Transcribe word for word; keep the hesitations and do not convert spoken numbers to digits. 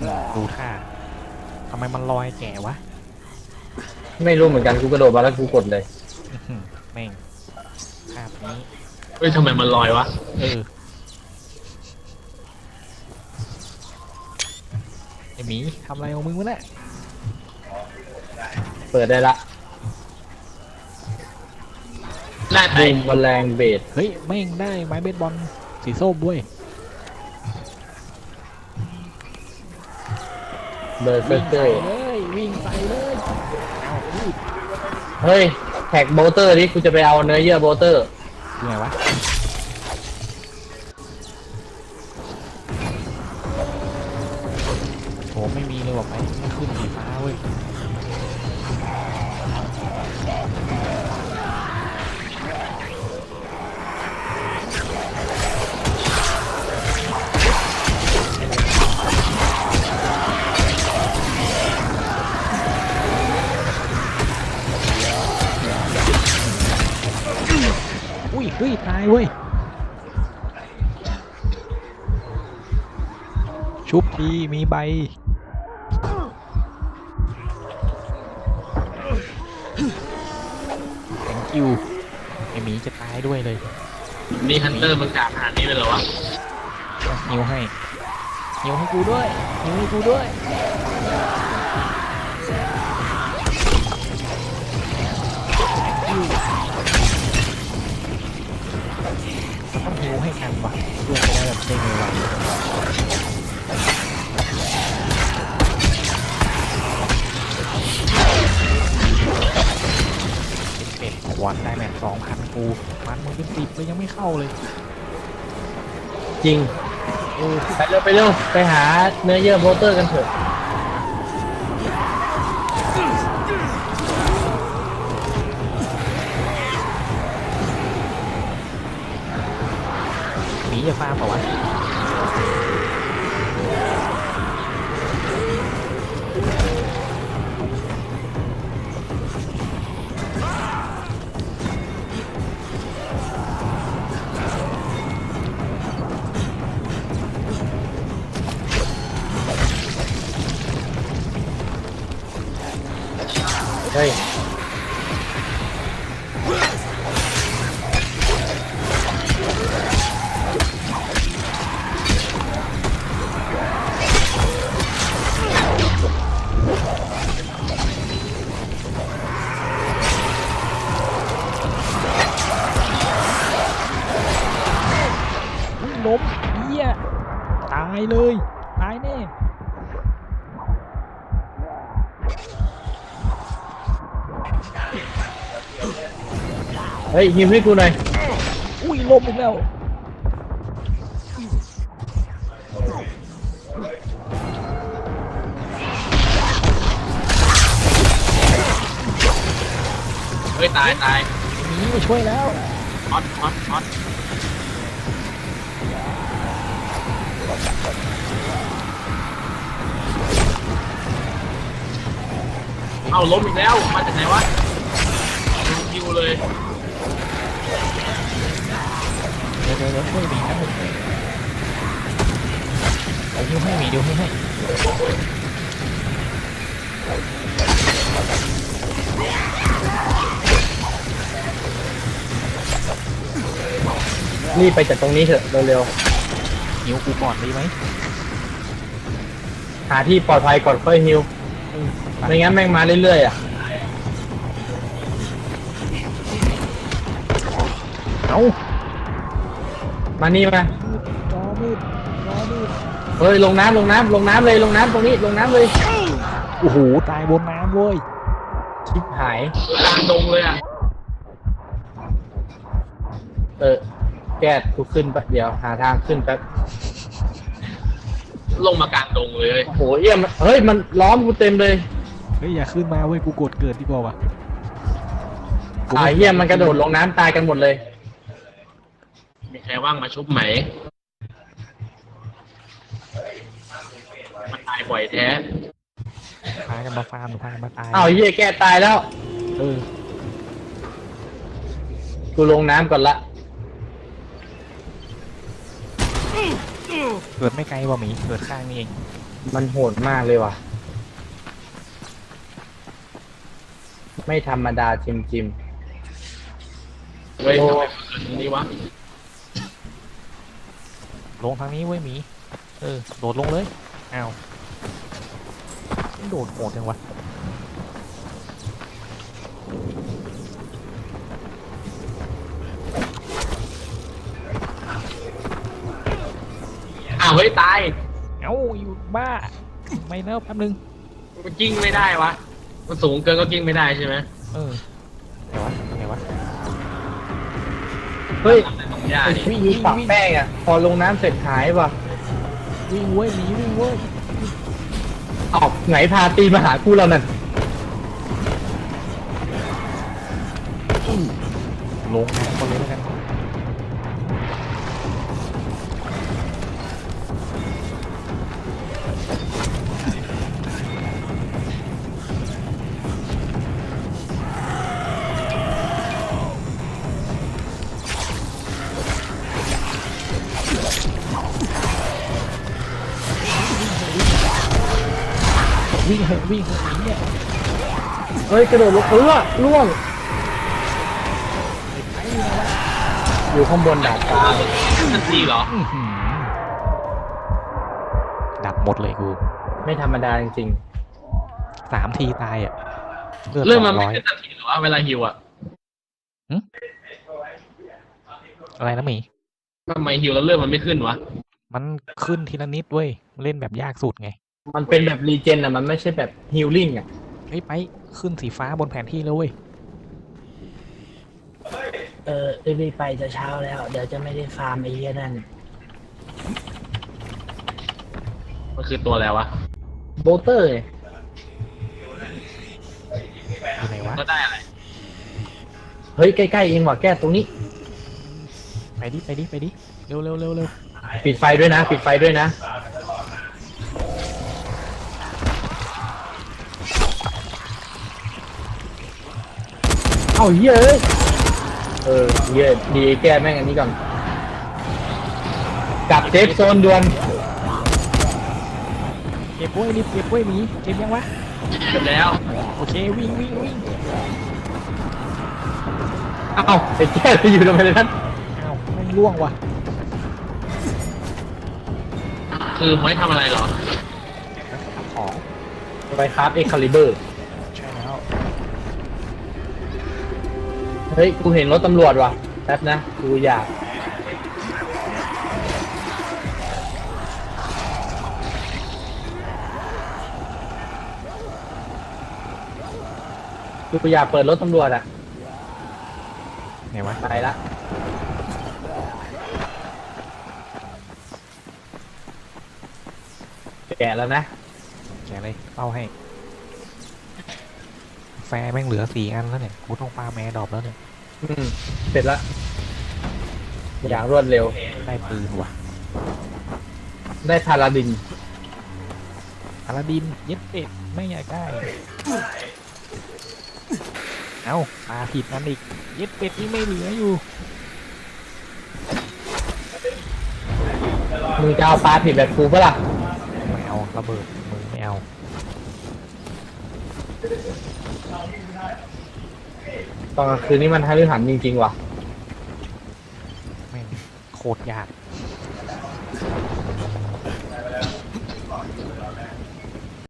ดูท่าทำไมมันลอยแก่วะไม่รู้เหมือนกันกูกระโดดมาแล้วกูกดเลยแม่งภาพนี้เฮ้ยทำไมมันลอยวะเออไอหมีทำอะไรของมึงวะเนี่ยเปิดได้ละหน้าไตบูมแมลงเบสเฮ้ยแม่งได้ไม้เบสบอลสีส้มด้วยเบอร์เซอวิ่งร์เกอใส่ร์เลยวิ่งใส่เลยเอาอุ้ยเฮ้ยแท็กโบเตอร์นี่กูจะไปเอาเนื้อเยื่อโบเตอร์คือไงวะโหไม่มีเลยว่ะไปไม่ขึ้นสีฟ้าเว้ยอุ้ยเฮ้ยตายเว้ยชุบทีมีใบ thank you ไอหมีจะตายด้วยเลยนี่ฮันเตอร์มันกาขนาดนี้เลยเหรอวะหิวให้หิวให้กูด้วยหิวให้กูด้วยเราต้องหิวให้กันว่ะเพื่อจะได้แบบได้ไวๆเป็ดขวดได้แบบสองพันกูมันมึงเป็นสิบเลยยังไม่เข้าเลยจริงเออไปเร็วไปเร็วไปหาเนื้อเยื่อโบเตอร์กันเถอะหมีจะฟาร์มเปล่าวะเฮ้ยล้มเหี้ยตายเลยตายแน่เฮ้ยฮิวให้กูหน่อยอุ้ยล้มอีกแล้วเฮ้ยตายตายหมีมาช่วยแล้วฮอตฮอตฮอตเอาล้มอีกแล้วมาจากไหนวะดูคิวเลยเดี๋ยวเดี๋ยวเดี๋ยวช่วยหมีนะผมเดี๋ยวให้หมีเดี๋ยวให้ให้รีบไปจากตรงนี้เถอะเร็วหิวกูก่อนดีไหมๆหาที่ปลอดภัยก่อนค่อยฮิวไม่งั้นแม่งมาเรื่อยๆอ่ะเอามานี่มาจอมืดจอมืดเฮ้ยลงน้ำลงน้ำลงน้ำเลยลงน้ำตรงนี้ลงน้ำเลยโอ้โหตายบนน้ำเว้ยชิบหายกลางดงเลยอ่ะเออแก้กูขึ้นแป๊บเดียวหาทางขึ้นแป๊บลงมากลางดงเลยโอ้โหเอี้ยมเฮ้ยมันล้อมกูเต็มเลยเฮ้ยอย่าขึ้นมาเว้ยกูกดเกิดดีกว่าวะอ่าเหี้ยมันกระโดดลงน้ำตายกันหมดเลยมีใครว่างมาชุบไหมมันตายบ่อยแท้พากันมาฟาร์มหรือพากันมาตายอ้าวเหี้ยแก้ตายแล้วเออกูลงน้ำก่อนละเกิดไม่ไกลว่ะหมีเกิดข้างนี่เองมันโหดมากเลยว่ะ ไม่ธรรมดาจิมจิมเฮ้ยโอ้ทำไมเกิดตรงนี้วะลงทางนี้เว้ยหมีเออโดดลงเลยอ้าวโดดโหดจังวะอ้าวเฮ้ยตายเอ้าอยู่บ้าไม่แล้วแป๊บนึงมันกิ้งไม่ได้วะมันสูงเกินก็กิ้งไม่ได้ใช่ไหมเออไงวะไงวะเฮ้ยตรงหญ้าไอ้นี่พี่ยีปักแป้งอ่ะ พอลงน้ำเสร็จหายว่ะวิ่งเว้ยหมีวิ่งเว้ยออกไหนพาตีมาหาคู่เรานั่นลงน้ำคนเลยแล้วกันวิ่งเหอะวิ่งเหอะหมีเนี่ยเฮ้ย กระโดดลงเออล่วงไอ้เนี่ยวะอยู่ข้างบนดาดฟ้าทันทีเหรออื้อหือดับหมดเลยกูไม่ธรรมดาจริงสามทีตายอ่ะเรื่องมันสไม่ร้อยขึ้นทันทีหรอวะเวลาฮิวอ่ะอะไรนะหมีทำไมฮิวแล้วเรื่องมันไม่ขึ้นวะมันขึ้นทีละนิดเว้ยเล่นแบบยากสุดไงๆ มันเป็นแบบรีเจนอ่ะ มันไม่ใช่แบบฮิลลิ่งอ่ะเฮ้ยไปขึ้นสีฟ้าบนแผนที่แล้วเว้ยเออรีบไปจะเช้าแล้ว เดี๋ยวจะไม่ได้ฟาร์มไอ้เหี้ยนั่นมันคือตัวอะไรวะโบเตอร์ไงอยู่ไหนวะก็ได้อะไรเฮ้ย ใกล้ๆเองว่ะแก้ตรงนี้ไปดิไปดิไปดิเร็วเร็วเร็วเร็วปิดไฟด้วยนะ ปิดไฟด้วยนะ เอ้าเหี้ยเอ้ยเออเหี้ยดีแก้แม่งอันนี้ก่อน กลับเซฟโซนด่วนเก็บเว้ยรีบเก็บเว้ยหมีเก็บยังวะเสร็จแล้วโอเควิ่งวิ่งวิ่งเอ้าไอ้แก้ไปอยู่ตรงไหนนั้นอ้าวแม่งล่วงว่ะคือไม่ทำอะไรเหรอทำของไปคราฟเอ็กคาลิเบอร์ใช่แล้วเฮ้ย กูเห็นรถตำรวจว่ะแป๊บนะ กูอยาก กูอยากเปิดรถตำรวจอ่ะไหนวะไปละ แกะแล้วนะแกะเลยเป้าให้ แฟร์แม่งเหลือสี่อันแล้วเนี่ยกูต้องปาแมร์ดรอปแล้วเนี่ยอืม เสร็จละ อย่างรวดเร็วได้ปืนว่ะได้พาราดินพาราดินเย็ดเป็ดไม่อยากได้เอ้าปาผิดนั่นอีกเย็ดเป็ดนี่ไม่เหลืออยู่มึงจะเอาปลาผิดแบบกูปะล่ะไม่เอาระเบิดมือไม่เอาตอนกลางคืนนี้มันให้ฤหันจริงๆว่ะแม่งโคตรยาก